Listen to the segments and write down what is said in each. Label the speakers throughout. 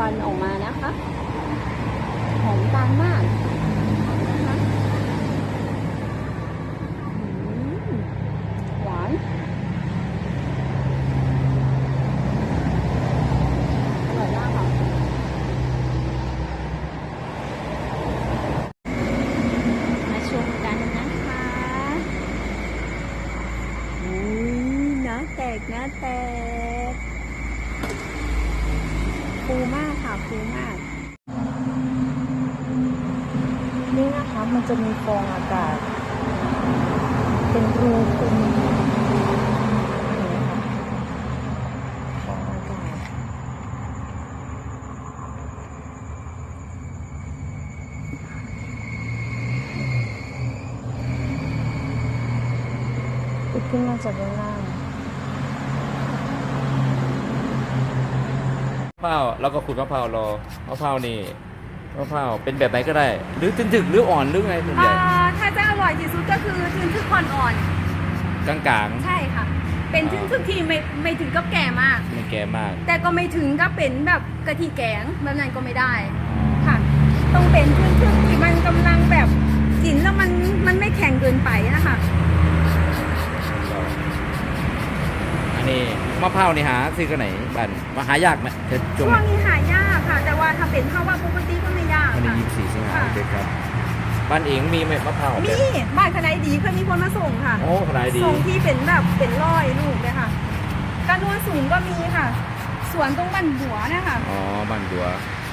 Speaker 1: วันออกมานะคะหอมตาลมากนะคะหวานอร่อยมากค่ะมาชมกันนะคะน้ำแตกน้ำแตกฟูมากค่ะฟูมากนี่นะคะมันจะมีฟองอากาศเป็นรูคุมเห็นไหมคะฟองอากาศติดขึ้นมาจากด้านล่าง
Speaker 2: มะพร้าวแล้วก็ขูดมะพร้าวรอมะพร้าวนี่มะพร้าวเป็นแบบไหนก็ได้ หรือถึกหรืออ่อนหรือไงส่วนใหญ่
Speaker 1: ถ้าจะอร่อยที่สุดก็คือทึกอ่อน
Speaker 2: กลาง
Speaker 1: ๆใช่ค่ะเป็นทึกที่ไม่ถึงกับแก่มาก
Speaker 2: ไม่แก่มาก
Speaker 1: แต่ก็ไม่ถึงกับเป็นแบบกะทิแกงแบบนั้นก็ไม่ได้ค่ะต้องเป็นทึกที่มันกำลังแบบกินแล้วมันไม่แข็งเกินไปนะคะ
Speaker 2: อันนี้มะพร้าวนี่หาซื้อกันไหนบ้านมาหายากไหม
Speaker 1: ช่วงนี้หายากค่ะแต่ว่าถ้าเป็นข้าวว่าปกติก็ไม่ยาก
Speaker 2: วันนี้
Speaker 1: ค่ะ
Speaker 2: 24 สิงหาคมครับบ้านเองมีไหมมะพร้าว
Speaker 1: มีบ้านขนาดดีเคยมีคนมาส่งค่ะ
Speaker 2: โอ้ขนาดดี
Speaker 1: ส่งที่เป็นแบบเป็นร้อยลูกเลยค่ะการนวลสูงก็มีค่ะสวนตรงบ้านบัวนะคะ
Speaker 2: อ๋อบ้านบัว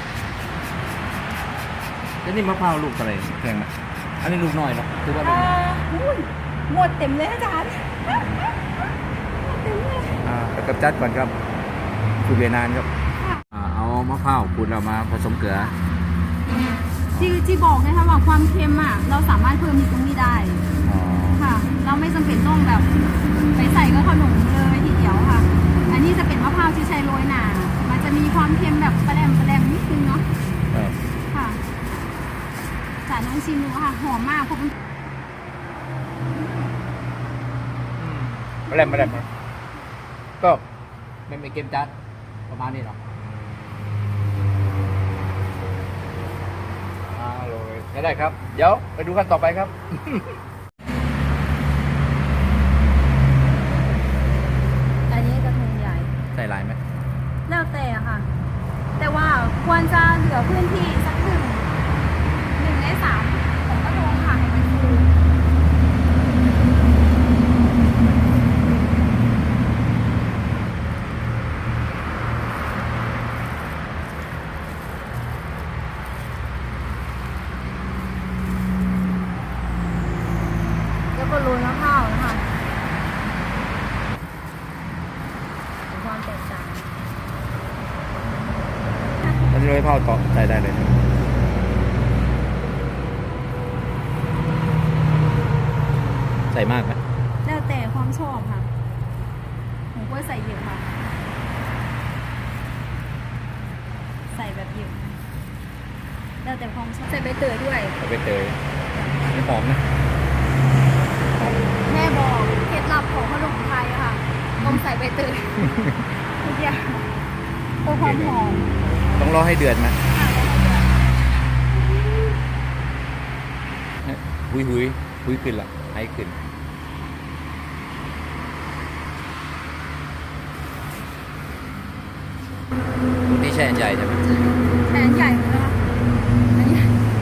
Speaker 2: แล้วนี่มะพร้าวลูกอะไรแพงไหมอันนี้ลูกน้อยเนาะคือว่า
Speaker 1: หมดเต็มเลยอาจารย์เต็มเลย
Speaker 2: แล้วกับจัดก่อนครับขูดเวียนนานครับเอามะพร้าวขูดเรามาผสมเกลือ
Speaker 1: จีบอกนะคะว่าความเค็มอ่ะเราสามารถเพิ่มตรงนี้ได้ค่ะเราไม่จำเป็นต้องแบบไปใส่กับขนมเลยทีเดียวค่ะอันนี้จะเป็นมะพร้าวที่ใช้โรยหนามันจะมีความเค็มแบบแปรมนิดนึงเนาะค่ะสารน้องชิมดูค่ะหอมมากเพราะมัน
Speaker 2: แปรมก็ไม่เค็มจัดประมาณนี้เนาะได้ครับเดี๋ยวไปดูกันต่อไปครับ
Speaker 1: อันนี้กระทงใหญ่
Speaker 2: ใส่ลายไหม
Speaker 1: แล้วแต่ค่ะแต่ว่าควรจะเหลือพื้นที่สัก1 ใน 3ของกระทงค่ะให้มันฟูแล้วก็โรยมะพร้าวนะคะความแตกต่าง
Speaker 2: แล้วที่โรยมะพร้าวต่อใส่ได้เลยใส่มากไหม
Speaker 1: แล้วแต่ความชอบค่ะผมก็ใส่เยอะค่ะใส่แบบเยอะแล้วแต่ความชอบใส่ใบเตยด้วย
Speaker 2: ใส่ใบเตยไม่หอมนะ
Speaker 1: แม่บอกเคล็ดลับของขนมไทยค่ะต้องใส่ใบเตยทุกอย่างตัวความหอม
Speaker 2: ต้องรอให้เดือดไหมหุยขึ้นละให้ขึ้นนี่แช่ใหญ่ใช่ไหม
Speaker 1: แช่ใหญ่เลยนะคะอันนี้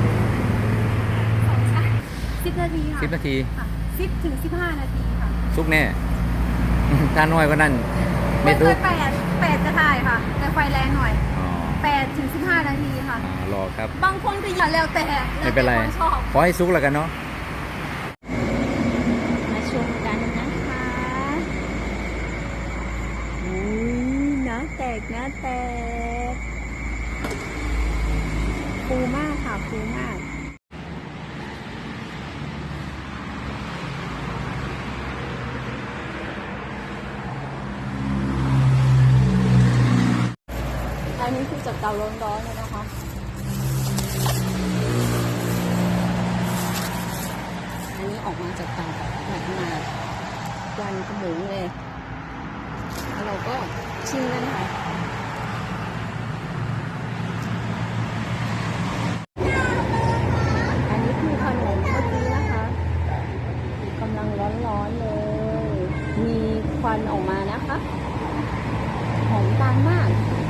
Speaker 1: 10 นาทีค่ะ
Speaker 2: 10 นาที
Speaker 1: 10 ถึง 15 นาทีค่ะ
Speaker 2: ซุกแน่ถ้าน้อยก็นั่น
Speaker 1: ไม่ตุก8จะถ่ายค่ะแต่ไฟแรงหน่อย8 ถึง 15 นาทีค่ะ
Speaker 2: รอครับ
Speaker 1: บางคนก็อย่าแล้วแต่
Speaker 2: ไม่เป็นไรขอให้ซุกแล้วกันเนาะ
Speaker 1: มาชมกันนะคะน้ำแตกฟูมากค่ะฟูมากอันนี้คือจากเตาร้อนๆเลยนะคะอันนี้ออกมาจากเตาแบบมาควันขโมงเลยแล้วเราก็ชิมกันค่ะวันออกมานะคะหอมตาลมาก